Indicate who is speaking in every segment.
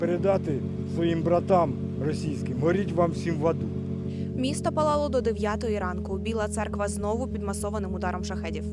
Speaker 1: Передати своїм братам російським, горіть вам всім в аду.
Speaker 2: Місто палало до 9-ї ранку. Біла церква знову під масованим ударом шахедів.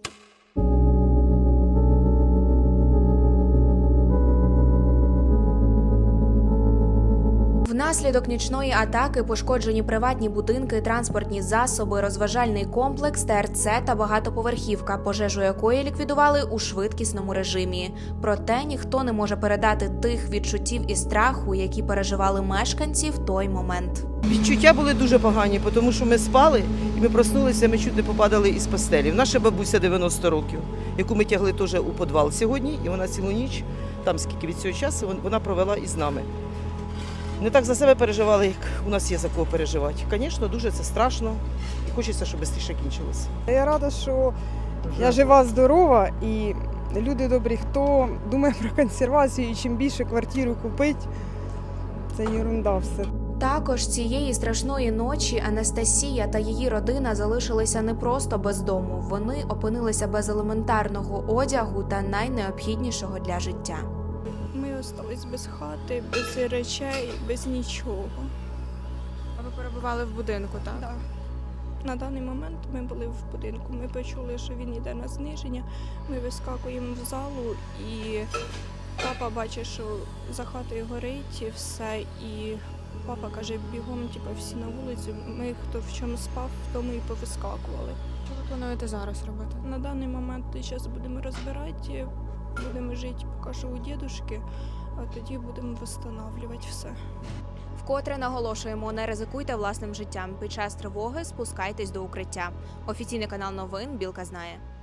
Speaker 2: Внаслідок нічної атаки пошкоджені приватні будинки, транспортні засоби, розважальний комплекс, ТРЦ та багатоповерхівка, пожежу якої ліквідували у швидкісному режимі. Проте ніхто не може передати тих відчуттів і страху, які переживали мешканці в той момент.
Speaker 3: Відчуття були дуже погані, тому що ми спали і ми проснулися, ми чуть не попадали із постелі. Наша бабуся 90 років, яку ми тягли теж у підвал сьогодні, і вона цілу ніч, там скільки від цього часу, вона провела із нами. Не так за себе переживали, як у нас є за кого переживати. Звісно, дуже це страшно і хочеться, щоб швидше кінчилося.
Speaker 4: Я рада, що я жива, здорова і люди добрі, хто думає про консервацію і чим більше квартиру купити, це ерунда все.
Speaker 2: Також цієї страшної ночі Анастасія та її родина залишилися не просто без дому. Вони опинилися без елементарного одягу та найнеобхіднішого для життя.
Speaker 5: Ми остались без хати, без речей, без нічого.
Speaker 2: А ви перебували в будинку, так?
Speaker 5: Да. На даний момент ми були в будинку. Ми почули, що він йде на зниження. Ми вискакуємо в залу і папа бачить, що за хатою горить і все. І папа каже, бігом, всі на вулицю. Ми, хто в чому спав, в тому і повискакували.
Speaker 2: Що ви плануєте зараз робити?
Speaker 5: На даний момент зараз будемо розбирати, будемо жити поки що у дідушки, а тоді будемо встановлювати все.
Speaker 2: Вкотре наголошуємо, не ризикуйте власним життям. Під час тривоги спускайтесь до укриття. Офіційний канал новин «Білка знає».